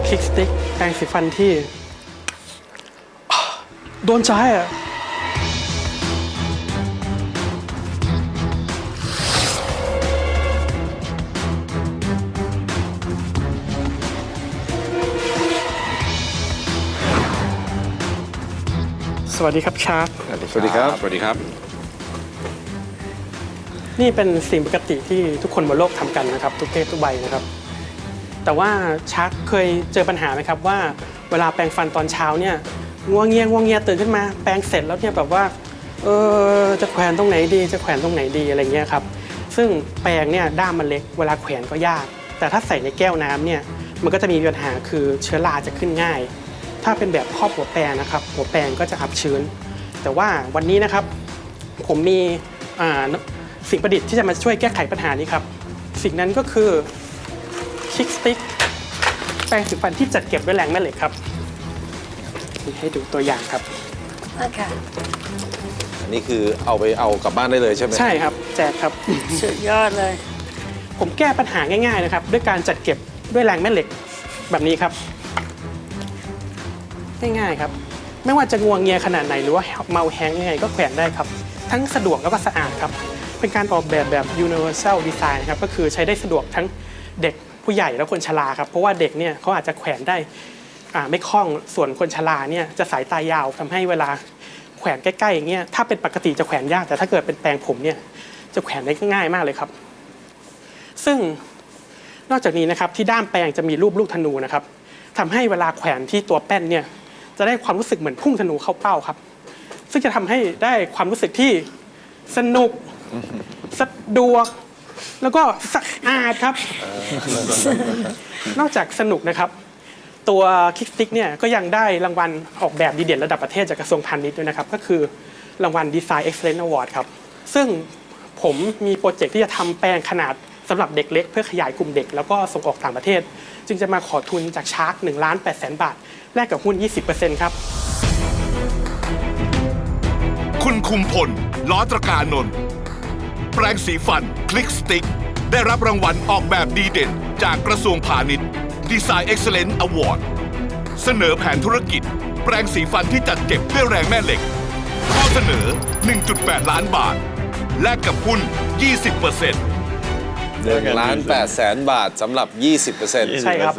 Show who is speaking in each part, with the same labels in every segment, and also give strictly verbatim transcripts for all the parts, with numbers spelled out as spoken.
Speaker 1: คิกสติ๊กแปรงสีฟันที่โดนใจอ่ะสวัสดีครับชาร์ก
Speaker 2: สวัสดีครับ
Speaker 3: สวัสดีครับ
Speaker 1: นี่เป็นสิ่งปกติที่ทุกคนบนโลกทำกันนะครับทุกเพศทุกวัยนะครับแต่ว่าชาร์กเคยเจอปัญหาไหมครับว่าเวลาแปรงฟันตอนเช้าเนี่ยงัวเงียงัวเงียตื่นขึ้นมาแปรงเสร็จแล้วเนี่ยแบบว่าเออจะแขวนตรงไหนดีจะแขวนตรงไหนดีอะไรเงี้ยครับซึ่งแปรงเนี่ยด้ามมันเล็กเวลาแขวนก็ยากแต่ถ้าใส่ในแก้วน้ำเนี่ยมันก็จะมีปัญหาคือเชื้อราจะขึ้นง่ายถ้าเป็นแบบครอบหัวแปรงนะครับหัวแปรงก็จะอับชื้นแต่ว่าวันนี้นะครับผมมีสิ่งประดิษฐ์ที่จะมาช่วยแก้ไขปัญหานี้ครับสิ่งนั้นก็คือคิกสติ๊กแปรงสีฟันที่จัดเก็บด้วยแรงแม่เหล็กครับให้ดูตัวอย่างครับ
Speaker 4: โอเค
Speaker 2: อันนี้คือเอาไปเอากลับบ้านได้เลยใช่ไหม
Speaker 1: ใช่ครับแจกครับ
Speaker 4: สุดยอดเลย
Speaker 1: ผมแก้ปัญหาง่ายๆนะครับด้วยการจัดเก็บด้วยแรงแม่เหล็กแบบนี้ครับง่ายๆครับไม่ว่าจะงวงเงียขนาดไหนหรือว่าเมาแห้งยังไงก็แขวนได้ครับทั้งสะดวกแล้วก็สะอาดครับเป็นการออกแบบแบบ universal design ครับก็คือใช้ได้สะดวกทั้งเด็กผู้ใหญ่และคนชราครับเพราะว่าเด็กเนี่ยเขาอาจจะแขวนได้ไม่คล่องส่วนคนชราเนี่ยจะสายตายาวทำให้เวลาแขวนใกล้ๆอย่างเงี้ยถ้าเป็นปกติจะแขวนยากแต่ถ้าเกิดเป็นแปรงผมเนี่ยจะแขวนได้ง่ายมากเลยครับซึ่งนอกจากนี้นะครับที่ด้ามแปรงจะมีรูปลูกธนูนะครับทำให้เวลาแขวนที่ตัวแป้นเนี่ยจะได้ความรู้สึกเหมือนพุ่งธนูเข้าเป้าครับซึ่งจะทำให้ได้ความรู้สึกที่สนุกสะดวกแล้วก็สะอาดครับนอกจากสนุกนะครับตัวคิกสติ๊กเนี่ยก็ยังได้รางวัลออกแบบดีเด่นระดับประเทศจากกระทรวงพาณิชย์ด้วยนะครับก็คือรางวัล Design Excellence Award ครับซึ่งผมมีโปรเจกต์ที่จะทำแปรงขนาดสำหรับเด็กเล็กเพื่อขยายกลุ่มเด็กแล้วก็ส่งออกต่างประเทศจึงจะมาขอทุนจากชาร์กหนึ่งล้านแปดแสนบาทแลกกับหุ้น ยี่สิบเปอร์เซ็นต์ ครับ
Speaker 3: คุณคุมพลล้อตระการนนท์แปรงสีฟันคลิกสติ๊กได้รับรางวัลออกแบบดีเด่นจากกระทรวงพาณิชย์ Design Excellence Award เสนอแผนธุรกิจแปรงสีฟันที่จัดเก็บด้วยแรงแม่เหล็กข้อเสนอ หนึ่งจุดแปด ล้านบาทแลกกับหุ้น ยี่สิบเปอร์เซ็นต์
Speaker 2: หนึ่งล้านแปดแสนบาทสำหรับ ยี่สิบเปอร์เซ็นต์
Speaker 1: ใช่ครับ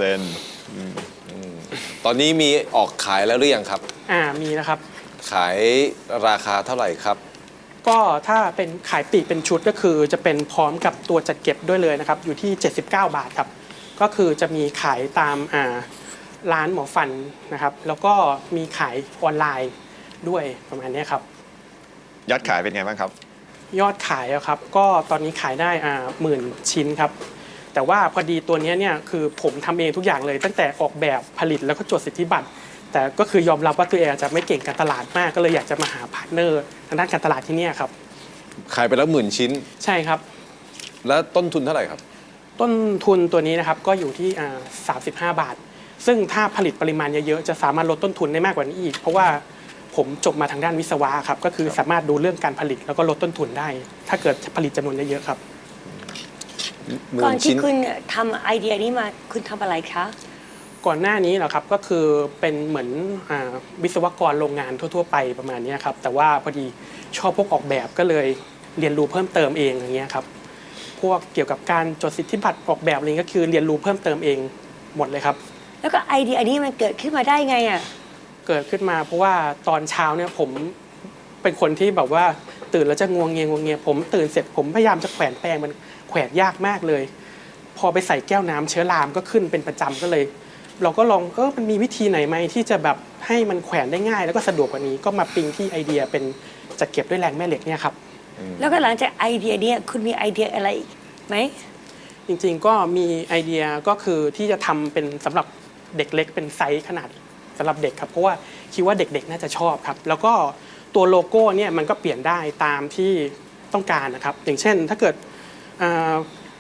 Speaker 2: ตอนนี้มีออกขายแล้วหรือยังครับ
Speaker 1: อ่ามีนะครับ
Speaker 2: ขายราคาเท่าไหร่ครับ
Speaker 1: ก็ถ้าเป็นขายปลีกเป็นชุดก็คือจะเป็นพร้อมกับตัวจัดเก็บด้วยเลยนะครับอยู่ที่เจ็ดสิบเก้าบาทครับก็คือจะมีขายตามอ่าร้านหมอฟันนะครับแล้วก็มีขายออนไลน์ด้วยประมาณนี้ครับ
Speaker 5: ยอดขายเป็นไงบ้างครับ
Speaker 1: ยอดขายครับก็ตอนนี้ขายได้อ่าหมื่นชิ้นครับแต่ว่าพอดีตัวนี้เนี่ยคือผมทำเองทุกอย่างเลยตั้งแต่ออกแบบผลิตแล้วก็จดสิทธิบัตรแต่ก็คือยอมรับว่าตัวเองอาจจะไม่เก่งการตลาดมากก็เลยอยากจะมาหาพาร์ทเนอร์ทางด้านการตลาดที่นี่ครับ
Speaker 2: ขายไปแล้วหมื่นชิ้น
Speaker 1: ใช่ครับ
Speaker 2: แล้วต้นทุนเท่าไหร่ครับ
Speaker 1: ต้นทุนตัวนี้นะครับก็อยู่ที่สามสิบห้าบาทซึ่งถ้าผลิตปริมาณเยอะๆจะสามารถลดต้นทุนได้มากกว่านี้อีกเพราะว่าผมจบมาทางด้านวิศวะครับก็คือสามารถดูเรื่องการผลิตแล้วก็ลดต้นทุนได้ถ้าเกิดผลิตจำนวนเยอะๆครับ
Speaker 4: ก่อนที่คุณทำไอเดียนี้มาคุณทำอะไรคะ
Speaker 1: ก่อนหน้านี้เหรอครับก็คือเป็นเหมือนวิศวกรโรงงานทั่วๆไปประมาณนี้ครับแต่ว่าพอดีชอบพวกออกแบบก็เลยเรียนรู้เพิ่มเติมเองอย่างเงี้ยครับพวกเกี่ยวกับการจดสิทธิบัตรออกแบบอะไรก็คือเรียนรู้เพิ่มเติมเองหมดเลยครับ
Speaker 4: แล้วก็ไอเดียอันนี้มันเกิดขึ้นมาได้ไงอ่ะ
Speaker 1: เกิดขึ้นมาเพราะว่าตอนเช้าเนี่ยผมเป็นคนที่แบบว่าตื่นแล้วจะงวงเงียงวงเงียผมตื่นเสร็จผมพยายามจะแขวนแปรงมันแขวนยากมากเลยพอไปใส่แก้วน้ำเชื้อรามก็ขึ้นเป็นประจำก็เลยเราก็ลองเออมันมีวิธีไหนไหมที่จะแบบให้มันแขวนได้ง่ายแล้วก็สะดวกกว่านี้ก็มาปิ๊งที่ไอเดียเป็นจัดเก็บด้วยแรงแม่เหล็กเนี่ยครับ
Speaker 4: แล้วก็หลังจากไอเดียนี้คุณมีไอเดียอะไรไหม
Speaker 1: จริงๆก็มีไอเดียก็คือที่จะทำเป็นสำหรับเด็กเล็กเป็นไซส์ขนาดสำหรับเด็กครับเพราะว่าคิดว่าเด็กๆน่าจะชอบครับแล้วก็ตัวโลโก้เนี่ยมันก็เปลี่ยนได้ตามที่ต้องการนะครับอย่างเช่นถ้าเกิด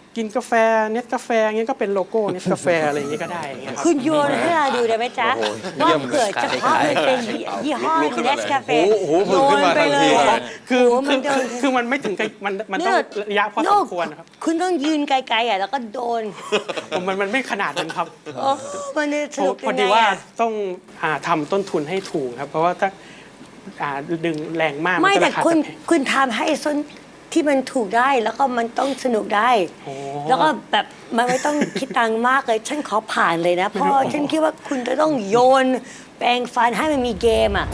Speaker 1: กินกาแฟเนสกาแฟเงี้ยก็เป็นโลโก้เนสกาแฟอะไรอย่างเงี้ยก็ได้อย่างเงี้ยครับ
Speaker 4: คุณโยนให้เราดูได้ไหมจ๊ะ
Speaker 2: โอ้โห
Speaker 4: ว่า
Speaker 2: เยี่ยม
Speaker 4: เกิดเฉพาะมันเป็นยี่ห้อ
Speaker 2: ลุกขึ้น
Speaker 4: เน
Speaker 2: มา
Speaker 4: ส
Speaker 2: เลย
Speaker 4: กาแฟ
Speaker 2: โอ้โห
Speaker 4: โย
Speaker 2: ขึ้น
Speaker 4: น
Speaker 2: มา
Speaker 4: ไป
Speaker 2: ทัน
Speaker 4: เล
Speaker 2: ที
Speaker 4: ย
Speaker 1: คือ
Speaker 4: โอ้โห
Speaker 1: คื
Speaker 4: มั
Speaker 1: อน
Speaker 4: โดน
Speaker 1: คือมันไม่ถึงกับมันมันต้องระยะพอสมควรนะครับ
Speaker 4: คุณต้องยืนไกลๆอ่ะแล้วก็โดน
Speaker 1: ผมมันมันไม่ขนาดนั้นครับ
Speaker 4: โอ้มันจะส
Speaker 1: พอ
Speaker 4: นุก
Speaker 1: พอ
Speaker 4: ยัง
Speaker 1: ดี
Speaker 4: ไง
Speaker 1: ว่า
Speaker 4: อ่ะ
Speaker 1: ต้องอ่าทำต้นทุนให้ถูกครับ เพราะว่าถ้าอ่าดึงแรงมาก
Speaker 4: ไม่
Speaker 1: นก็
Speaker 4: แต่
Speaker 1: ราคา
Speaker 4: คุณ
Speaker 1: จะแพง
Speaker 4: คุณทำให้ส้นที่มันถูกได้แล้วก็มันต้องสนุกได้
Speaker 1: โอ้
Speaker 4: แล้วก็แบบมันไม่ต้องคิดตังค์มากเลย ฉันขอผ่านเลยนะ เพราะฉันคิดว่าคุณจะต้องโยนแปรงฟันให้มันมีเกมอ่ะ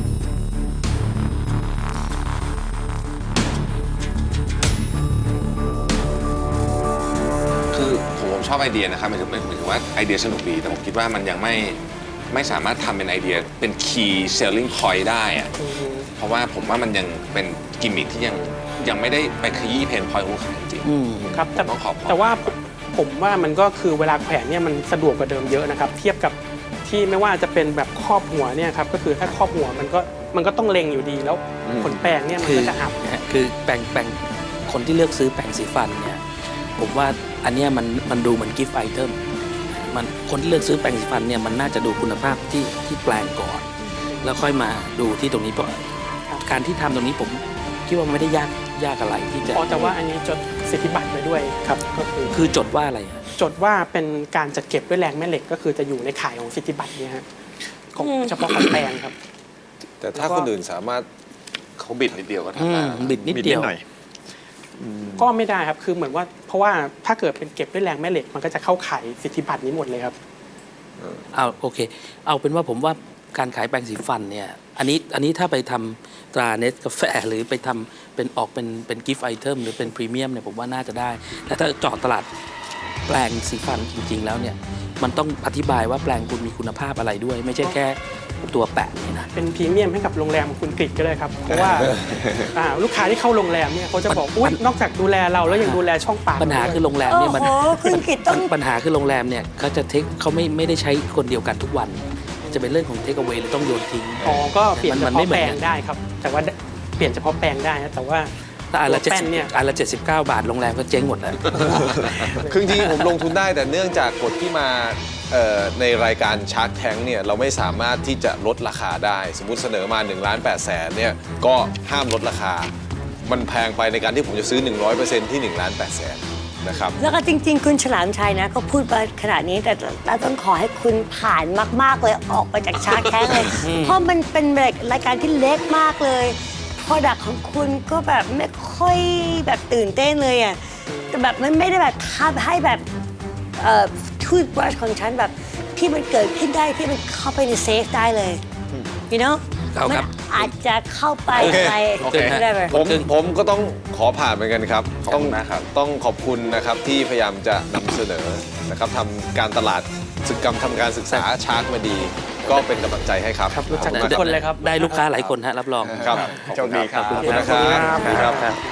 Speaker 6: คือผมผมชอบไอเดียนะครับหมายถึงหมายถึงว่าไอเดียสนุกดีแต่ผมคิดว่ามันยังไม่ไม่สามารถทำเป็นไอเดียเป็น key selling point ได้อะเพราะว่าผมว่ามันยังเป็นกิมมิคที่ยังยังไม่ได้ไปขยี้เพนพอยต์ของลูกค้าจริง
Speaker 1: อืมครับแต่
Speaker 6: ต้องขอบคุณ
Speaker 1: แต่ว่าผมว่ามันก็คือเวลาแขวนเนี่ยมันสะดวกกว่าเดิมเยอะนะครับ เทียบกับที่ไม่ว่าจะเป็นแบบครอบหัวเนี่ยครับก็คือถ้าครอบหัวมันก็มันก็ต้องเล็งอยู่ดีแล้วขนแปรงเนี่ยมัน
Speaker 7: คือ
Speaker 1: ก็จะอับ
Speaker 7: นะฮะคือแปรงแปรงคนที่เลือกซื้อแปรงสีฟันเนี่ยผมว่าอันเนี้ยมันมันดูเหมือนกิฟต์ไอเทมมันคนที่เลือกซื้อแปรงสีฟันเนี่ยมันน่าจะดูคุณภาพที่ที่แปลงก่อน แล้วค่อยมาดูที่ตรงนี้เพราะการที่ทำตรงนี้ผมคิดว่าไม่ได้ยากยากอะไรที่จะ
Speaker 1: อ๋อแต่ว่าอันนี้จดสิทธิบัตรไว้ด้วยครับก็คือ
Speaker 7: คือจดว่าอะไรฮะ
Speaker 1: จดว่าเป็นการจัดเก็บด้วยแรงแม่เหล็กก็คือจะอยู่ในข่ายของสิทธิบัตรเนี่ยฮะของเฉพาะขนแปรงครับ
Speaker 2: แต่ถ้าคนอื่นสามารถ
Speaker 6: เขาบิดนิดเดียวก็
Speaker 7: อื
Speaker 6: ทำได้
Speaker 7: ม
Speaker 6: แล้ว
Speaker 7: บิดนิด
Speaker 5: มี
Speaker 7: เดียว
Speaker 5: หน่อย
Speaker 1: ก็ไม่ได้ครับคือเหมือนว่าเพราะว่าถ้าเกิดเป็นเก็บด้วยแรงแม่เหล็กมันก็จะเข้าข่ายสิทธิบัตรนี้หมดเลยครับ
Speaker 7: เอาโอเค เอาเป็นว่าผมว่าการขายแปรงสีฟันเนี่ยอันนี้อันนี้ถ้าไปทำตราเนสกาแฟหรือไปทำเป็นออกเป็นเป็นกิฟต์ไอเทมหรือเป็นพรีเมียมเนี่ยผมว่าน่าจะได้ แต่ถ้าเจาะตลาดแปรงสีฟันจริงๆแล้วเนี่ยมันต้องอธิบายว่าแปรงคุณมีคุณภาพอะไรด้วย ไม่ใช่แค่ตัวแปะนี่นะ
Speaker 1: เป็นพรีเมียมให้กับโรงแรมของคุณกฤษก็ได้ครับ เพราะว่าอ่าลูกค้าที่เข้าโรงแรมเนี่ยเขาจะบอกอุ้ยนอกจากดูแลเราแล้วยังดูแลช่องปาก
Speaker 7: ปัญหาคือโรงแรม
Speaker 4: โอ้
Speaker 7: เนี่ยมัน
Speaker 4: โหคุณกิตต้อง
Speaker 7: ปัญหาคือโรงแรมเนี่ยเขาจะเทคเขาไม่ไม่ได้ใช้คนเดียวกันทุกวัน จะเป็นเรื่องของเทคเอาไว้หรือต้องโยนทิ้ง
Speaker 1: อ๋อก็เปลี่ยนเฉ
Speaker 7: มันไม่
Speaker 1: พาะ
Speaker 7: เหมื
Speaker 1: แป
Speaker 7: อ
Speaker 1: ล
Speaker 7: นกั
Speaker 1: ง
Speaker 7: น
Speaker 1: ได้ครับ แต่ว่าเปลี่ยนเฉพาะแปลงได้นะแต่ว่า
Speaker 7: ถ้าอันละ
Speaker 1: ตัว
Speaker 7: เจ็ด
Speaker 1: แป้
Speaker 7: สิ
Speaker 1: น
Speaker 7: บ
Speaker 1: เนี่ย
Speaker 7: อันละเจ็ดสิบเก้าบาทโรงแรมก็เจ๊งหมดแล้ว
Speaker 2: คือจริงๆผมลงทุนได้แต่เนื่องจากกฎที่มาเอ่อในรายการ Shark Tank เนี่ยเราไม่สามารถที่จะลดราคาได้ สมมุติเสนอมา1ล้าน8แสนเนี่ยก็ห้ามลดราคา มันแพงไปในการที่ผมจะซื้อ หนึ่งร้อยเปอร์เซ็นต์ ที่1ล้าน8แสนนะครับ
Speaker 4: แล้วก็จริง ๆ คุณฉลามชัยนะเขาพูดมาขนาดนี้แต่เราต้องขอให้คุณผ่านมากๆเลยออกไปจากชาร์กแท้งเลย เพราะมันเป็นแบบรายการที่เล็กมากเลยพอดักของคุณก็แบบไม่ค่อยแบบตื่นเต้นเลยอ่ะแต่แบบมันไม่ได้แบบทำให้แบบเอ่อทูตบรัชของฉันแบบที่มันเกิดขึ้นได้ที่มันเข้าไปในเซฟได้เลย you know
Speaker 7: เอาครับ
Speaker 4: มันอาจจะเข้าไป
Speaker 2: โอเค
Speaker 4: อะไร
Speaker 7: โอเค
Speaker 4: ไม่ได้แบบ
Speaker 2: ผมผมก็ต้องขอผ่านเหมือนกันครับ
Speaker 6: ขอบ
Speaker 2: ต้อง
Speaker 6: คุณมากครับ
Speaker 2: ต้องขอบคุณนะครับที่พยายามจะนำเสนอนะครับทำการตลาดศึกกรรมทำการศึกษาชาร์กมาดี ก็เป็นกำลังใจให้ครับ
Speaker 1: ครับรู้จัก
Speaker 2: ขอบ
Speaker 1: ทุ
Speaker 2: ณ
Speaker 1: กคนเลยครับ
Speaker 7: ได้ลูกค้าหลายคนฮะรับรอง
Speaker 2: ครับ
Speaker 5: โชคดีครับ
Speaker 2: ขอบคุณนะครับครับ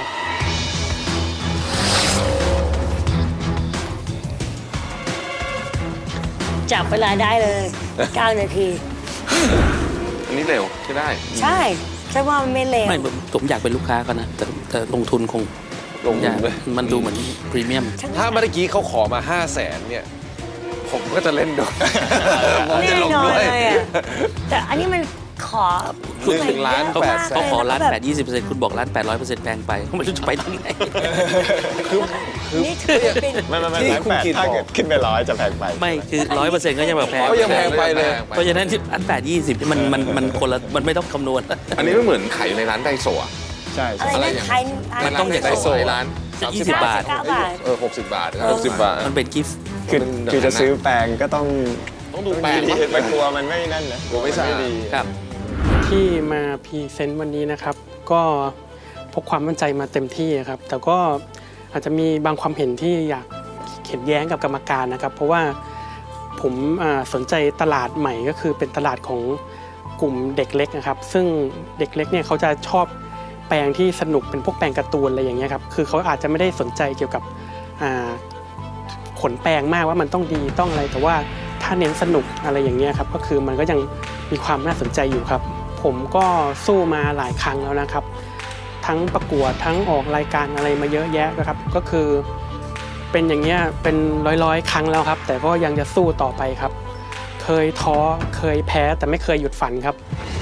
Speaker 4: จับเวลาได้เลย เก้า นาที
Speaker 6: อันนี้เร็วใช่ได้
Speaker 4: ใช่ฉันว่ามันไม่เลว
Speaker 7: ไม่ผมผมอยากเป็นลูกค้าเขานะแต่แต่ลงทุนคง
Speaker 2: ลงทุน
Speaker 7: อยาก
Speaker 2: เลย
Speaker 7: มันดูเหมือนพรีเมียม
Speaker 2: ถ้าเมื่อกี้เขาขอมา ห้าแสนเนี่ย ผมก็จะเล่นด้วยผมจะ
Speaker 4: แน่
Speaker 2: ลง
Speaker 4: นอน
Speaker 2: ด้วย
Speaker 4: เลยอ่ะแต่อันนี้มันขอ
Speaker 2: หนึ่งล้าน
Speaker 4: เยอะ
Speaker 2: แปด
Speaker 4: มก
Speaker 2: แส
Speaker 7: เขาขอ
Speaker 4: ลย
Speaker 7: ล้าน
Speaker 4: ล้ว
Speaker 7: แปดยี่สิบเปอร์เซ็นต์คุณบอกล้านแปดร้อยเปอร์เซ็นต์แพงไปไม่รู้จะไปทางไหน
Speaker 4: นี่ถือเป็น
Speaker 5: ไม่ไม่ไม่
Speaker 2: ที่
Speaker 5: ล้าน
Speaker 2: คุณ
Speaker 5: แปด
Speaker 2: กิต
Speaker 5: ถ้า
Speaker 2: บอก
Speaker 5: เกิดขึ้นไปร้อยจะแพงไป
Speaker 7: ไม่คือร้อยเปอร์เซ็นต์ก็ยังแบบแพง
Speaker 2: ก็ยังแพงไปเลย
Speaker 7: เพราะฉะนั้นที่อันแปดยี่สิบมันมันมันคนละมันไม่ต้องคำนวณ
Speaker 6: อันนี้ไม่เหมือนขายอยู่ในร้านไดโซะ
Speaker 5: ใช่
Speaker 4: อะไร
Speaker 5: ใช่
Speaker 4: นะไทย
Speaker 7: มันต้องอย่าง
Speaker 6: ได
Speaker 7: ไร
Speaker 6: โซะร้าน
Speaker 7: ยี่สิบบาท
Speaker 4: เก้าบาท
Speaker 2: เออหกสิบบาทครับหกสิบบาท
Speaker 7: มันเป็นกิฟต์
Speaker 5: คือคือจะซื้อแปลงก็ต้อง
Speaker 2: ต้องดู
Speaker 5: ต้อง
Speaker 2: แปลง
Speaker 5: ดี
Speaker 2: ว่า
Speaker 5: ๆไปกลัวมันไม่นั่นนะ
Speaker 2: กลัวไม่สะอาด
Speaker 5: ดี
Speaker 7: ครับ
Speaker 1: ที่มาพรีเซนต์วันนี้นะครับ ก็พกความมั่นใจมาเต็มที่ครับ แต่ก็อาจจะมีบางความเห็นที่อยากเห็นแย้งกับกรรมการนะครับ เพราะว่าผมอ่าสนใจตลาดใหม่ก็คือเป็นตลาดของกลุ่มเด็กเล็กนะครับ ซึ่งเด็กเล็กเนี่ยเขาจะชอบแปลงที่สนุกเป็นพวกแปลงการ์ตูนอะไรอย่างเงี้ยครับคือเขาอาจจะไม่ได้สนใจเกี่ยวกับอ่าขนแปลงมากว่ามันต้องดีต้องอะไรแต่ว่าถ้าเน้นสนุกอะไรอย่างเงี้ยครับก็คือมันก็ยังมีความน่าสนใจอยู่ครับ ผมก็สู้มาหลายครั้งแล้วนะครับ ทั้งประกวดทั้งออกรายการอะไรมาเยอะแยะนะครับ ก็คือเป็นอย่างเงี้ยเป็นร้อยๆ ครั้งแล้วครับ แต่ก็ยังจะสู้ต่อไปครับ เคยท้อเคยแพ้แต่ไม่เคยหยุดฝันครับ